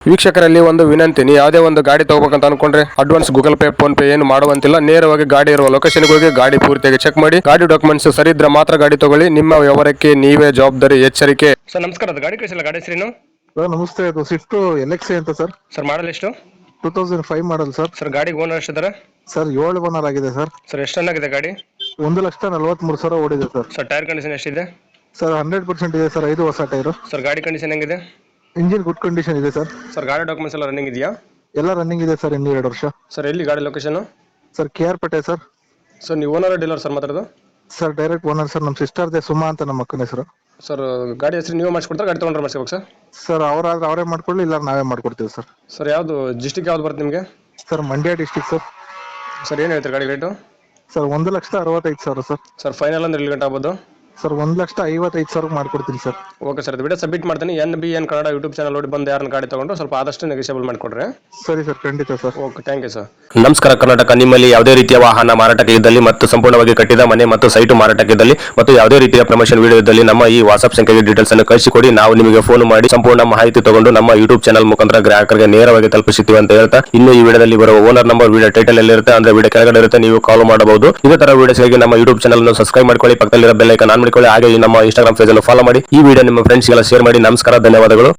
ವೀಕ್ಷಕರಲ್ಲಿ ಒಂದು ವಿನಂತಿ, ನೀವು ಯಾವುದೇ ಒಂದು ಗಾಡಿ ತಗೋಬೇಕಂತ ಅನ್ಕೊಂಡ್ರೆ advance Google Pay PhonePe ಏನು ಮಾಡುವಂತಿಲ್ಲ. ನೇರವಾಗಿ ಗಾಡಿ ಇರುವ ಲೊಕೇಶನ್ ಹೋಗಿ ಗಾಡಿ ಪೂರ್ತಿಯಾಗಿ ಚೆಕ್ ಮಾಡಿ, ಗಾಡಿ ಡಾಕ್ಯುಮೆಂಟ್ಸ್ ಸರಿ ಇದ್ರೆ ಮಾತ್ರ ಗಾಡಿ ತಗೊಳ್ಳಿ. ನಿಮ್ಮ ವ್ಯವಹಾರಕ್ಕೆ ನೀವೇ ಜವಾಬ್ದಾರಿ. ಎಚ್ಚರಿಕೆ. ಸರ್ ನಮಸ್ಕಾರ, ಅದು ಗಾಡಿ ಕಳಿಸಿಲ್ಲ, ಗಾಡಿ ಹೆಸರೇನು? ಸರ್ ನಮಸ್ತೆ, ಅದು ಸ್ವಿಫ್ಟ್ ಎಲ್ಎಕ್ಸಿ ಅಂತ ಸರ್. ಸರ್ ಮಾಡಲ್ ಎಷ್ಟು? 2005 ಮಾಡಲ್ ಸರ್. ಸರ್ ಗಾಡಿ ಓನರ್ ಎಷ್ಟಿದ್ದಾರೆ? ಸರ್ 7 ಓನರ್ ಆಗಿದೆ ಸರ್. ಸರ್ ಎಷ್ಟು ಚೆನ್ನಾಗಿದೆ ಗಾಡಿ? 1,43,000 ಓಡಿದೆ ಸರ್. ಸರ್ ಟೈರ್ ಕಂಡೀಷನ್ ಎಷ್ಟಿದೆ? ಸರ್ 100% ಇದೆ ಸರ್. 5 ಹೊಸ ಟೈರು. ಸರ್ ಗಾಡಿ ಕಂಡೀಷನ್ ಹೆಂಗಿದೆ? ಇಂಜಿನ್ ಗುಡ್ ಕಂಡೀಷನ್ ಇದೆ ಸರ್. ಸರ್ ಗಾಡಿ ಡಾಕ್ಯುಮೆಂಟ್ಸ್ ಎಲ್ಲ ರನ್ನಿಂಗ್ ಇದೆಯಾ? ಎಲ್ಲ ರನ್ನಿಂಗ್ ಇದೆ ಸರ್, ಇನ್ನೂ 2 ವರ್ಷ. ಸರ್ ಎಲ್ಲಿ ಗಾಡಿ location? Sir KR Pete sir. Sir ನೀವು ಓನರ್ ಡೀಲರ್ ಸರ್ ಮಾತಾಡೋದು? Sir direct owner sir. ನಮ್ಮ ಸಿಸ್ಟರ್ದೆ ಸುಮಾ ಅಂತ, ನಮ್ಮ ಅಕ್ಕನ ಹೆಸರು. ಸರ್ ಗಾಡಿ ಹೆಸರು ನೀವು ಮಾಡಿಸ್ಕೊಡ್ತಾರೆ, ಗಾಡಿ ತೊಗೊಂಡ್ರೆ ಮಾಡಿಸ್ಬೇಕು ಸರ್? ಸರ್ ಅವರಾದ್ರೆ ಅವರೇ ಮಾಡ್ಕೊಳ್ಳಿ, ಇಲ್ಲ ನಾವೇ ಮಾಡ್ಕೊಡ್ತೀವಿ ಸರ್. ಸರ್ ಯಾವುದು ಡಿಸ್ಟಿಕ್ ಯಾವ್ದು ಬರುತ್ತೆ ನಿಮಗೆ? Sir Mandya district sir. Sir ಏನು ಹೇಳ್ತಾರೆ ಗಾಡಿ rate? Sir 1,65,000 sir. Sir final ಅಂದ್ರೆ ಎಲ್ಲಿ ಗಂಟೆ ಆಗ್ಬೋದು? ಸರ್ 1,55,000 ಮಾಡ್ಕೊಡ್ತೀನಿ ಸರ್. ಓಕೆ ಸರ್, ಇದು ವಿಡಿಯೋ ಸಬ್ಮಿಟ್ ಮಾಡ್ತೀನಿ. NBN ಕನ್ನಡ ಯೂಟ್ಯೂಬ್ ಚಾನಲ್ ನೋಡಿ ಬಂದು ಯಾರನ್ನ ಗಾಡಿ ತಗೊಂಡು ಸ್ವಲ್ಪ ಆದಷ್ಟು ನೆಗೋಷಿಯಬಲ್ ಮಾಡಿಕೊಡ್ರಿ. ಸರಿ ಸರ್, ಖಂಡಿತ sir. Okay, thank you sir. ನಮಸ್ಕಾರ ಕರ್ನಾಟಕ. ನಿಮ್ಮಲ್ಲಿ ಯಾವುದೇ ರೀತಿಯ ವಾಹನ ಮಾರಾಟಕ್ಕೆ ಇದ್ದಲ್ಲಿ ಮತ್ತು ಸಂಪೂರ್ಣವಾಗಿ ಕಟ್ಟಿದ ಮನೆ ಮತ್ತು ಸೈಟು ಮಾರಾಟಕ್ಕೆ ಇದ್ದಲ್ಲಿ ಮತ್ತು ಯಾವುದೇ ರೀತಿಯ ಪ್ರಮೋಷನ್ ವಿಡಿಯೋ ಇದ್ದಲ್ಲಿ ನಮ್ಮ ಈ ವಾಟ್ಸ್ಆಪ್ ಸಂಖ್ಯೆಗೆ ಡೀಟೇಲ್ಸ್ ಅನ್ನು ಕಳಿಸಿಕೊಡಿ. ನಾವು ನಿಮಗೆ ಫೋನ್ ಮಾಡಿ ಸಂಪೂರ್ಣ ಮಾಹಿತಿ ತಗೊಂಡು ನಮ್ಮ ಯೂಟ್ಯೂಬ್ ಚಾನಲ್ ಮುಖಾಂತರ ಗ್ರಾಹಕರಿಗೆ ನೇರವಾಗಿ ತಲುಪಿಸುತ್ತೀವಿ ಅಂತ ಹೇಳ್ತಾ, ಇನ್ನು ಈ ವಿಡಿಯೋದಲ್ಲಿ ಬರುವ ಓನರ್ ನಂಬರ್ ವಿಡಿಯೋ ಟೈಟಲ್ ಎಲ್ಲಿರುತ್ತೆ ಅಂದ್ರೆ ವಿಡಿಯೋ ಕೆಳಗಡೆ ಇರುತ್ತೆ, ನೀವು ಕಾಲ್ ಮಾಡಬಹುದು. ಇದೇ ತರ ವಿಡಿಯೋಸ್ಗಾಗಿ ನಮ್ಮ ಯೂಟ್ಯೂಬ್ ಚಾನಲ್ ಅನ್ನು ಸಬ್ಸ್ಕ್ರೈಬ್ ಮಾಡ್ಕೊಳ್ಳಿ, ಪಕ್ಕದಲ್ಲಿರೋ ಬೆಲ್ ಐಕಾನ್ ಆನ್ ಮಾಡಿಕೊಳ್ಳಿ, ಹಾಗೆ ನಮ್ಮ ಇನ್ಸ್ಟಾಗ್ರಾಮ್ ಪೇಜ್ ಅನ್ನು ಫಾಲೋ ಮಾಡಿ. ಈ ವಿಡಿಯೋ ನಿಮ್ಮ ಫ್ರೆಂಡ್ಸ್ಗೆಲ್ಲ ಶೇರ್ ಮಾಡಿ. ನಮಸ್ಕಾರ, ಧನ್ಯವಾದಗಳು.